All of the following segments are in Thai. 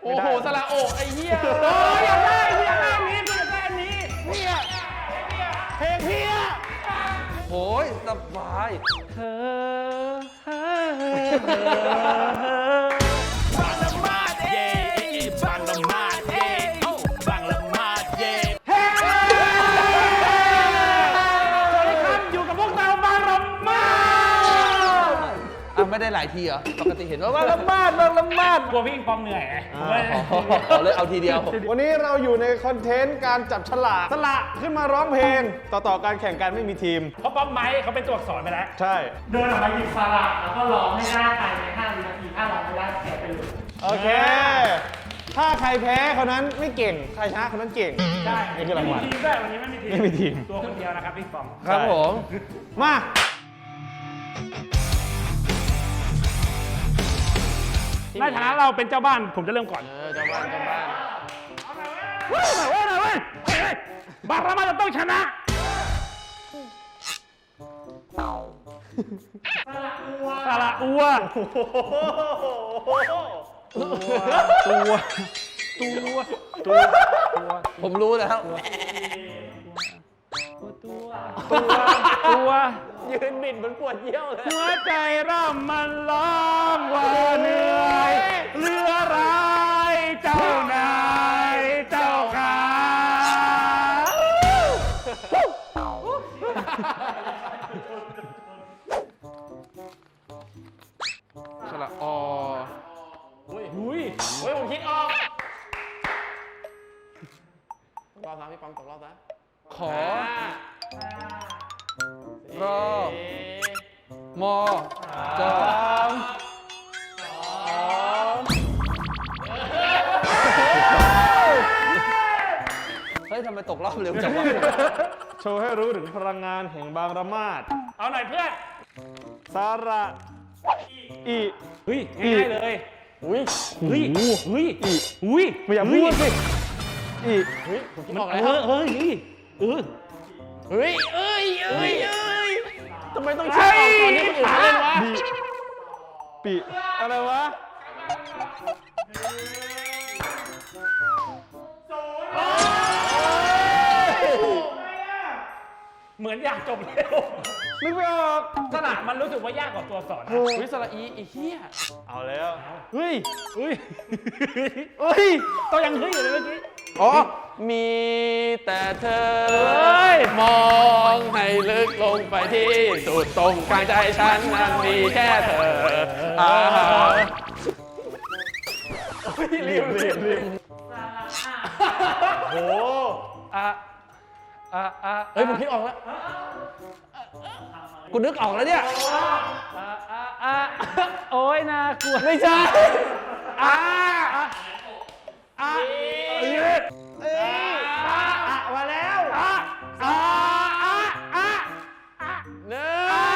อ้โหสระโอกไอ้เหี้ยอยากได้อันนี้อยากได้อันนี้เนี่ยเพลงพี่อะโอ้ยสบายเธอบางละมาดเย่บางละมาดเย่บางละมาดเย่สวัสดีครับอยู่กับพวกเราบางละมาดไม่ได้หลายทีเหรอปกติเห็นว่าบางละมาดบางละมาดกลัวพี่อิงปองเหนื่อยไงเลยเอาทีเดียววันนี้เราอยู่ในคอนเทนต์การจับฉลากสละขึ้นมาร้องเพลง ต่อการแข่งกันไม่มีทีมเพราะป๊อปไม้เขาเป็นตัวอักษรไปแล้วใช่เดินออกมาหยิบสระแล้วก็ร้องให้ได้ภายใน5 วินาทีถ้าร้องไม่ได้แพ้ไปเลยโอเค ถ้าใครแพ้คนนั้นไม่เก่ง ใครชนะคนนั้นเก่งใช่นี่คือรางวัลไม่มีทีมด้วยวันนี้ไม่มีทีมไม่มีทีมตัวคนเดียวนะครับพี่ปองครับผมมาในฐานะเราเป็นเจ้าบ้านผมจะเริ่มก่อนเจ้าบ้านเว้ยบางละมาดจะต้องชนะสระอัวตัวผมรู้แล้ว ยืนบิดเหมือนปวดเยี่ยวเลยหัวใจร่ำมันร้องว่าเหนื่อยเรือร้ายเจ้านายเจ้าขาสระอหุยผมคิดออกรอบนะพี่ปั๊มตกรอบนะขอรอมอจอเฮ้ยทำไมตกรอบเร็วจังวะโชว์ให้รู้ถึงพลังงานแห่งบางระมาดเอาหน่อยเพื่อนสาระอีเฮ้ยง่ายๆเลยเฮ้ยไม่อยากพูดสิอีมันเฮ้ยทำไมต้องเชื่อออกก่อนที่คนอื่นเล่นวะปีอะไรวะเหมือนอยากจบเร็วนึกไม่ออกสระมันรู้สึกว่ายากกว่าตัวอักษรนะวิสระอีไอ้เหี้ยเอาแล้วเฮ้ยต้องยังเฮ้ยอยู่เลยเมื่อกี้อ๋อมีแต่เธอมองให้ลึกลงไปที่สุดตรงกลางใจฉันนั้นมีแค่เธอรีบโอ้เฮ้ยผมคิดออกแล้วกูนึกออกแล้วเนี่ยโอ้ยน่ากลัวไม่ใช่มาแล้วเนื้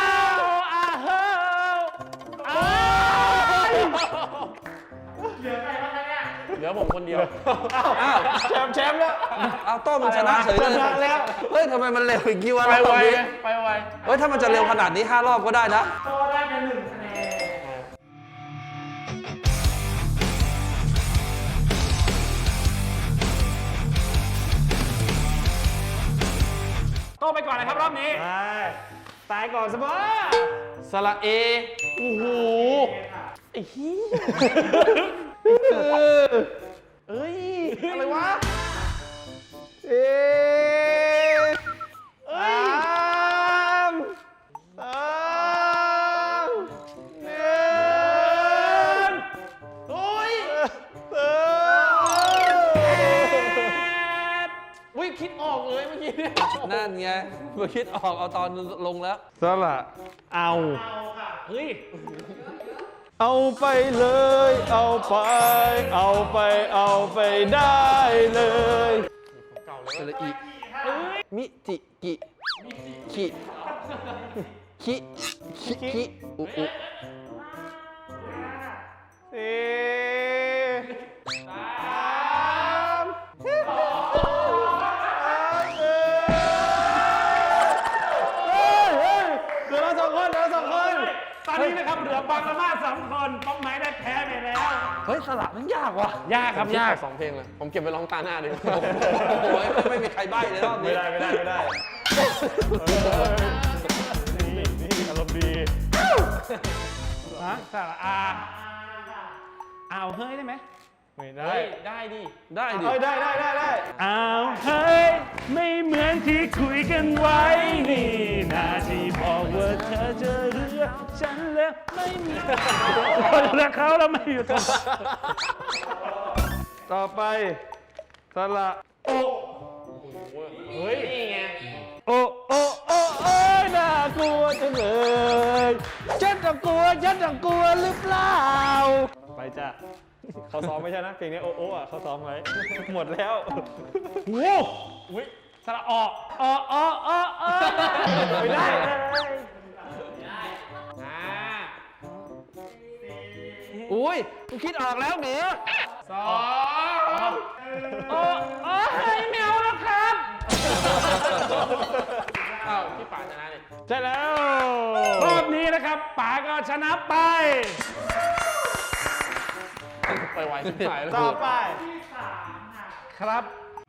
เหลือผมคนเดียวอ้าวแชมป์แล้วเอาโต้มันชนะเฉยเลยชนะแล้วเฮ้ยทำไมมันเร็วอีกกี่วันไปไวเฮ้ยถ้ามันจะเร็วขนาดนี้5 รอบก็ได้นะโตได้เป็น1 คะแนนโตไปก่อนเลยครับรอบนี้ตายก่อนสบายสระเอโอ้โหไอ้เหี้ยเอ้ยอะไรวะเอ้3 2 1 โอ้ยวิคิดออกเลยเมื่อกี้เนี่ยนั่นไงเมื่อคิดออกเอาตอนลงแล้วสละเอาเฮ้ยเอาไปเลย เอาไปได้เลยสระอีมิจิกิคิอุ 4 3 2 1เดี๋ยวเรา2 คนตอนนี้นะครับเหลือบางละมาด2 คนป้องไม้ได้แพ้ไปแล้วเฮ้ยสระมันยากว่ะยากครับยาก 2 เพลงเลย ผมเก็บไปร้องตาหน้าดิ โอ้โหไม่มีใครใบ้เลยรอบนี้ไม่ได้นี่อารมณ์ดีฮะสระอาเอาเฮ้ยได้ไหมไม่ได้เฮ้ย ได้ดิ ได้ดิเอ้ยได้เอาเฮ้ยไม่เหมือนที่คุยกันไว้นี่นาที่บอกว่าเธอจะเลือกฉันแล้วไม่มีเลือกเขาแล้วไม่อยู่ตรงต่อไปสระโอเฮ้ย นี่ไงโอ้ยน่ากลัวจังเลยฉันต้องกลัวหรือเปล่าไปจ้ะเขาซ้อมไม่ใช่นะเพลงนี้โอ้อ่ะเขาซ้อมไว้หมดแล้วโอ้โหสระออกไม่ได้เลยอุ้ยกูคิดออกแล้วเหนือโอ้ยไม่เอาแล้วครับอ้าวพี่ป่าชนะเลยใช่แล้วรอบนี้นะครับป๋าก็ชนะไปไปไวขึ้นหายแล้วต่อไปครับ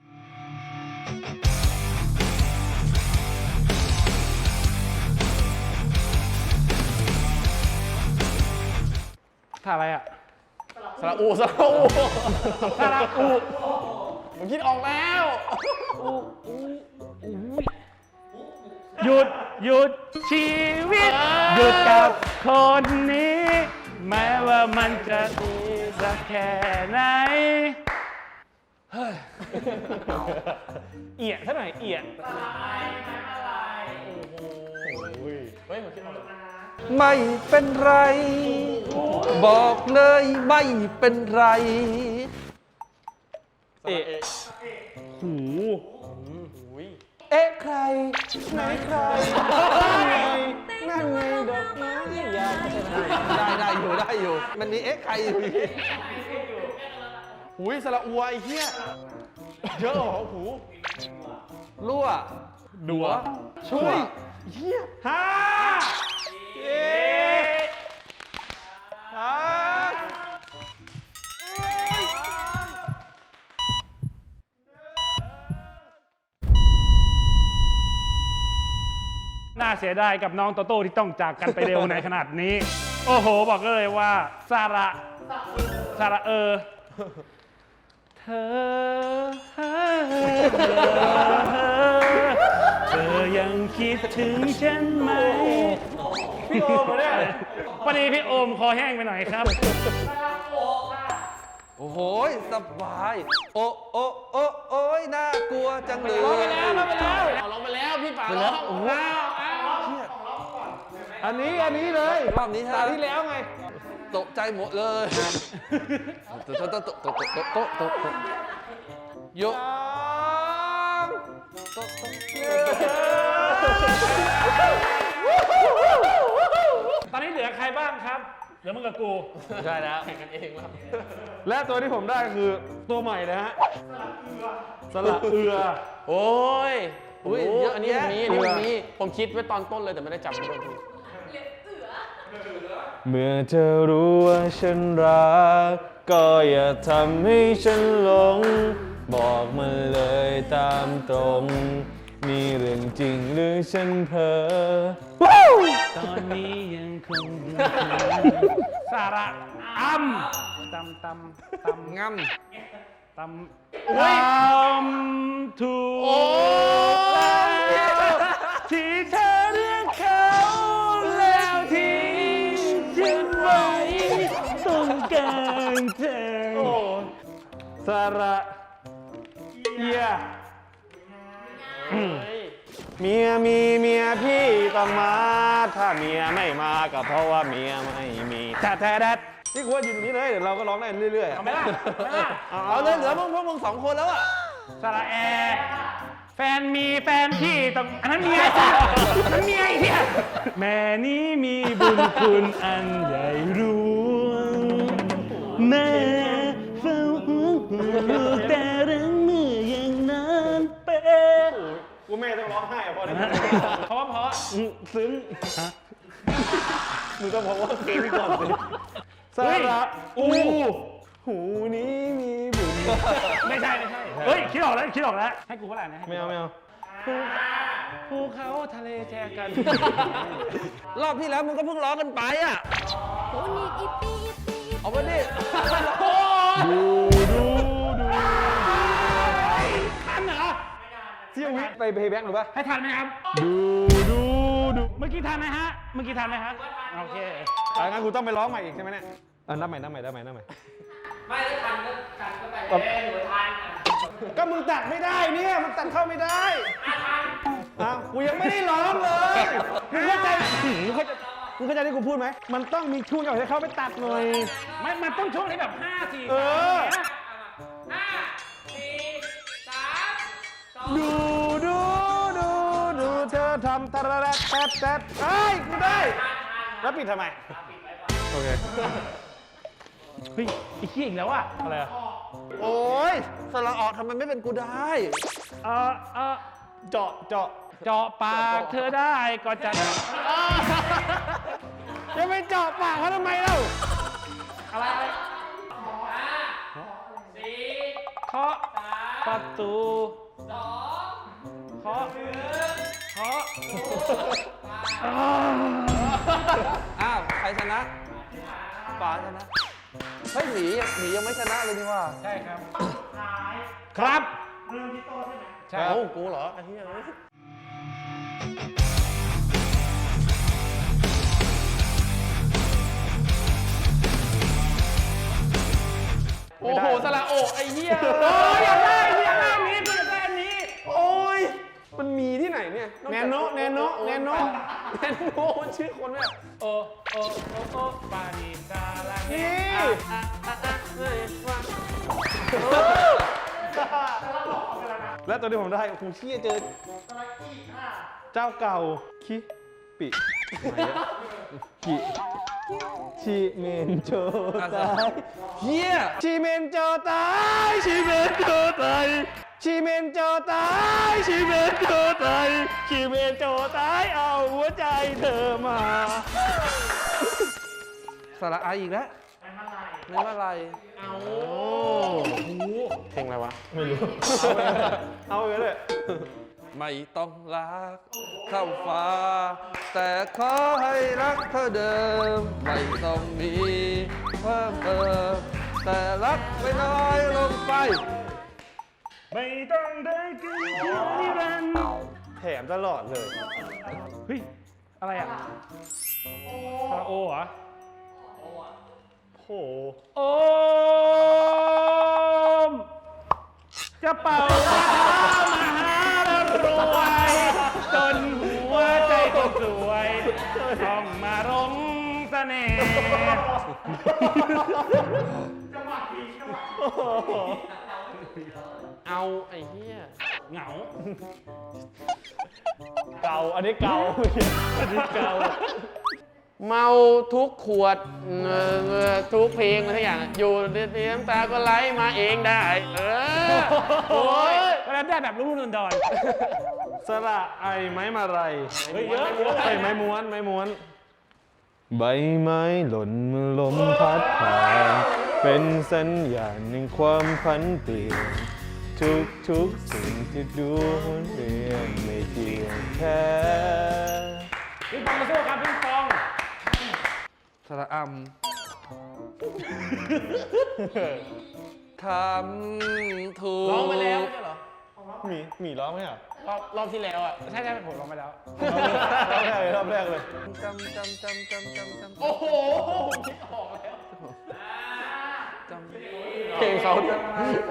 ท่าอะไรอ่ะสระอูสระอุผมคิดออกแล้วหยุดชีวิต หยุดกับคนนี้ แม้ว่ามันจะดีสักแค่ไหนเอียดเท่าไหร่เอียดเฮ้ยผมคิดออกแล้วไม่เป็นไร บอกเลยไม่เป็นไรเอ๊ะหูเอ๊ะใครไหนใครนั่นไงดอกไม้อยากจะได้อยู่ มันมีเอ๊ะใครอยู่หุยสระอัวไอ้เหี้ยเยอะเหรอหูรั่วดัวช่วยเหี้ยห้า น่าเสียดายกับน้องโตโต้ที่ต้องจากกันไปเร็วในขนาดนี้ โอ้โห บอกเลยว่าสระเธอยังคิดถึงฉันไหมพี่โอมเหรอเนี่ยพอดีพี่โอมคอแห้งไปหน่อยครับโอ้โหสบาย โอ้ยน่ากลัวจังเลยร้องไปแล้วพี่ป่าร้องอ้าวอันนี้เลยรอบนี้ตาที่แล้วไงตกใจหมดเลยโยกตอนนี้เหลือใครบ้างครับ เหลือมึงกับกูใช่แล้วแข่งกันเองแล้วและตัวที่ผมได้คือตัวใหม่นะฮะสระเอือโอ้ยอุ้ยเยเยอะอะอันนี้แยะมีผมคิดไว้ตอนต้นเลยแต่ไม่ได้จับมันโดนทีเมื่อเธอรู้ว่าฉันรักก็อย่าทำให้ฉันหลง บอกมันเลยตามตรง มีเรื่องจริงหรือฉันเพ้อตอนนี้ยังคงดูสาระตำงั้มตำถูกแล้วที่เธอเลือกเขาแล้วทิ้งฉันไว้ตรงกลางทางสระเอียเมียพี่ต้องมา ถ้าเมียไม่มาก็เพราะว่าเมียไม่มีแดดนี่กูว่าอยู่ตรงนี้เลยเดี๋ยวเราก็ร้องได้เรื่อยๆเอาไหมล่ะเอาเลยเหลือพวกมึงสองคนแล้วอ่ะสระแอแฟนมีแฟนพี่ต้องอันนั้นเมียอันนั้นเมียไอ้เหี้ยแม่นี้มีบุญคุณอันใหญ่หลวงแม่เฝ้าห่วงลูกแต่เรื่องเมื่อยังนานเป็นกูแม่ต้องร้องไห้อะพอได้ไหมเพราะซึ้งมึงต้องบอกว่าเพลงก่อนสิสเฮ้ยระอูหูนี้มีบุญไม่ใช่เฮ้ยคิดออกแล้วให้กูเท่าไหร่นะไม่เอาภูเขาทะเลแจกันรอบที่แล้วมึงก็เพิ่งร้องกันไปอ่ะเอามาดิทันเหรอเที่ยววิไปเพย์แบ็กหรือปะให้ทันไหมครับดูเมื่อกี้ทันไหมฮะโอเคงั้นกูต้องไปร้องใหม่อีกใช่ไหมเนี่ยนับใหม่ไม่ได้ทันก็ไปหรือทันก็มึงตัดไม่ได้เนี่ยมันตัดเข้าไม่ได้กูยังไม่ได้ร้องเลยมึงเข้าใจที่กูพูดไหมมันต้องมีช่วงจังหวะที่เขาไปตัดหน่อยมันต้องช่วงที่แบบ5 4 เออ 5 4 3 2 ดูเธอทำตะระแรกแต๊บเฮ้ยกูได้แล้วปิดทำไมโอเคเฮ้ยไอ้ขี้อีกแล้วอะอะไรอะโอ้ยสระออกทำไมไม่เป็นกูได้เจาะเจาะปากเธอได้ก็จะจะไปเจาะปากเขาทำไมเล่าอะไร 4 เคาะประตูเคาะอ้าวใครชนะป๋าชนะเฮ้ยหมียังไม่ชนะเลยนี่ว่าใช่ครับ ครับใช่โอ้กูเหรอไอ้เหี้ยโอ้โหสระโอไอ้เหี้ยอยากได้อันนี้กูอยากได้อันนี้โอ้ยมันมีที่ไหนเนี่ยแนนโนแนนโนมันชื่อคนไหมอะโอปาดีดาลาเฮนี่และตัวที่ผมได้ครูเชี่ยเจอเจ้าเก่าคิปิชิเมนโจตายเหี้ยชิเมนโจตายชิเมนโจตายชิเมนโจตายชิเมนโจตายชิเมนโจตายเอาหัวใจเธอมาสระอาอีกแล้วในเมื่อไรเพลงอะไรวะไม่รู้ เอาไปเลยไม่ต้องรักเท่าฟ้า แต่ขอให้รักเท่าเดิม ไม่ต้องมีเพิ่มเติมแต่รักไม่น้อยลงไปไม่ต้องได้กินนิรันดร์แถมตลอดเลยเฮ้ย อะไรอ่ะคาราโอเหรอโหโอมจะเป่าคาถามหาร่ำรวยจนหัวใจต้องสวยต้องมารงเสน่ห์เอาไอ้เหี้ยเหงาเก่า อันนี้เก่า อันนี้เก่าเมาทุกขวดทุกเพลงอะไรทุกอย่างอยู่ดีๆน้ำตาก็ไหลมาเองได้ โอ้ยก็แล้วได้แบบรุ่มๆดอนสระไอไม้มาไรๆเฮ้ยเยอะไอไม้ม้วนใบไม้หล่นเมื่อลมพัดผ่านเป็นสัญญาณแห่งความพันเปลี่ยนทุกสิ่งที่ดูหมุนเวียนไม่เที่ยงแท้พี่ปองมาสู้ครับพี่ปองสระอำทำถูกร้องไปแล้วไม่ใช่เหรอหมีร้องไหมอ่ะรอบที่แล้วอ่ะใช่ผมลองไปแล้วรอบแรกเลยจำโอ้โหคิดออกแล้วจำเพลงเขาด้วย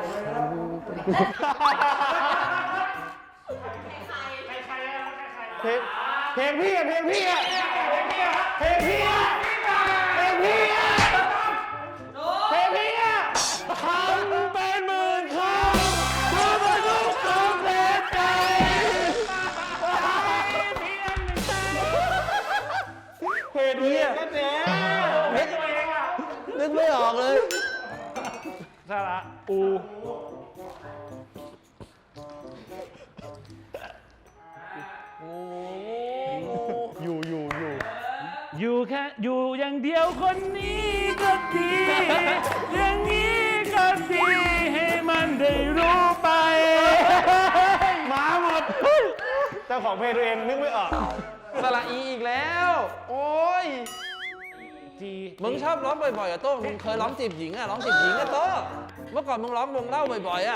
เพลงพี่อ่ะเพลงพี่อ่ะเพลงพี่อ่ะเพลงพี่อ่ะเพลงพี่อ่ะทำเป็นหมื่นคำเพื่อมาทุกคำเพลงใจเพลงนี้อ่ะนึกไม่ออกเลยสระอู อยู่แค่อยู่อย่างเดียวคนนี้ก็ดีอย่างนี้จ้าของเพลงตัวเองนึกไม่ออกสระอีอีกแล้ว โอ้ยจีมึงชอบร้องบ่อยๆอะโต้มึงเคยร้องจีบหญิงอะร้องจีบหญิงอะโต้เมื่อก่อนมึงร้องวงเล่าบ่อยๆอะ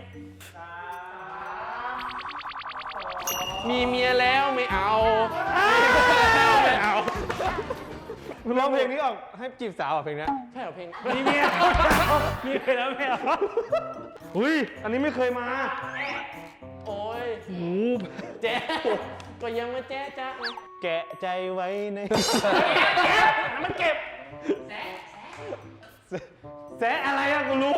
มีเมียแล้วไม่เอาแล้วไม่เอาร้องเพลงนี้ออกให้จีบสาวอ่ะเพลงนี้ใช่เหรอเพลงมีเมียมีไปแล้วไม่เอาอุ้ยอันนี้ไม่เคยมาโอ้ยหูแจ๊ก็ยังไม่แจ๊จ๊ะไงแกะใจไว้ในมันเก็บแสะอะไรอะกูรู้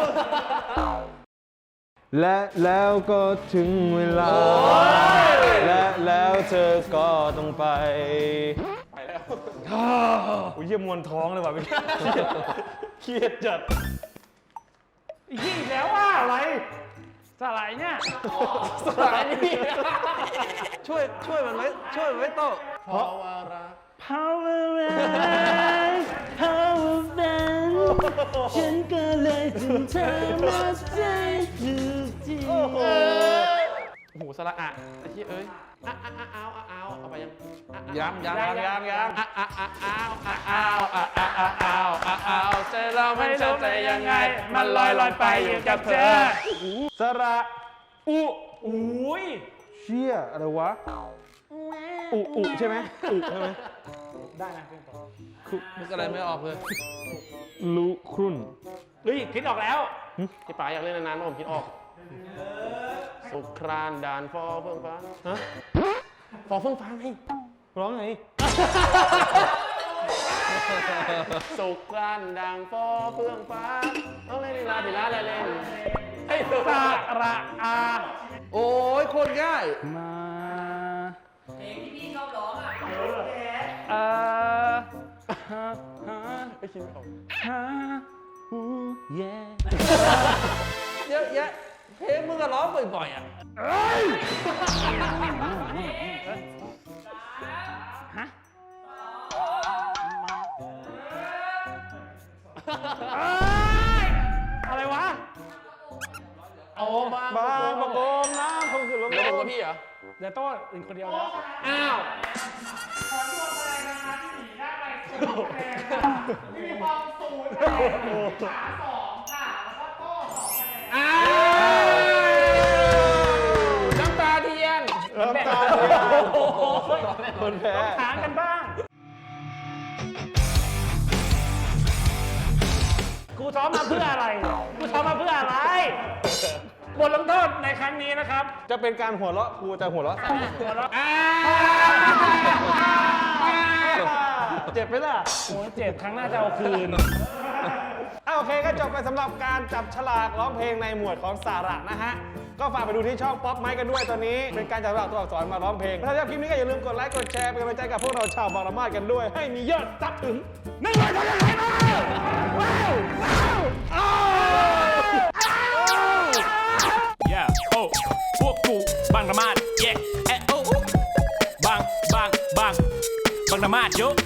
และแล้วก็ถึงเวลา และแล้วเธอก็ต้องไปไปแล้วอุ้ยเยี่ยมมวนท้องเลยว่ะพี่เครียดจัดอีกแล้วว่าอะไรสลายเนี่ยสายนี่ช่วยมันไว้โต้เพราะว่ารัก Power Man Power Man ฉันก็เลยจึงเธอมาใจถูกทีโอ้โหสระอะไอ้ที่เอ้ยอะอะอะเอาอะเอาเอาไปยังอะอะยังอะอะอะเอาอะเอาอะอะอะเอาอะเอาใจเราไม่รู้ใจยังไง มันลอยไปอยู่กับเธอสระอุอุ้ยเชี่ยอะไรวะอุใช่ไหมอุใช่ไหมได้นะเป็นต่อนึกอะไรไม่ออกเลยลุครุ่นเฮ้ยคิดออกแล้วพี่ป๋าอยากเล่นนานๆผมคิดออก สุครานด่านฟอเฟื่องฟ้าฮะฟอเฟื่องฟ้าไงร้องไงสุครานด่างฟอเฟื่องฟ้าต้องเล่นลีลาดีลาอะไรเล่นไอ้ตัวสระอาโอ้ยโคตรง่ายมาเพลงที่พี่ชอบร้องอ่ะฮาฮาไม่คิดไม่ออกฮาฮูเย่เยอะแยะเพลงมึงก็ร้องบ่อยๆอะฮะอะไรวะโอ้บางบางประกงน้ำคงคือลมแล้วผมกับพี่เหรอเดี๋ยวโต้อื่นคนเดียวแล้วอ้าวมีความสูงขาสองค่ะ แล้วก็โต้สองคะแนนอ้าวน้ำตาเทียนน้ำตาเทียนคนแพ้หางกันบ้าง กูซ้อมมาเพื่ออะไร กูซ้อมมาเพื่ออะไร บทลงโทษในครั้งนี้นะครับจะเป็นการหัวเราะครูจะหัวเราะสั้นหัวเราะเจ็บไหมล่ะโอ้ยเจ็บครั้งหน้าจะเอาคืนโอเคก็จบไปสำหรับการจับฉลากร้องเพลงในหมวดของสาระนะฮะ ก็ฝากไปดูที่ช่องป๊อปไมค์กันด้วยตอนนี้ เป็นการจับฉลากตัวอักษรมาร้องเพลง ถ้าชอบคลิปนี้ก็อย่าลืมกดไลค์กดแชร์เป็นกำลังใจกับพวกเราชาวบางละมาดกันด้วย ให้มียอดซับถึง100 เท่านั้นเลยนะว้าวว้าวอ้าว Yeah, oh, พวกกูบางระมาด yeah, โอ้บางระมาดเยอะ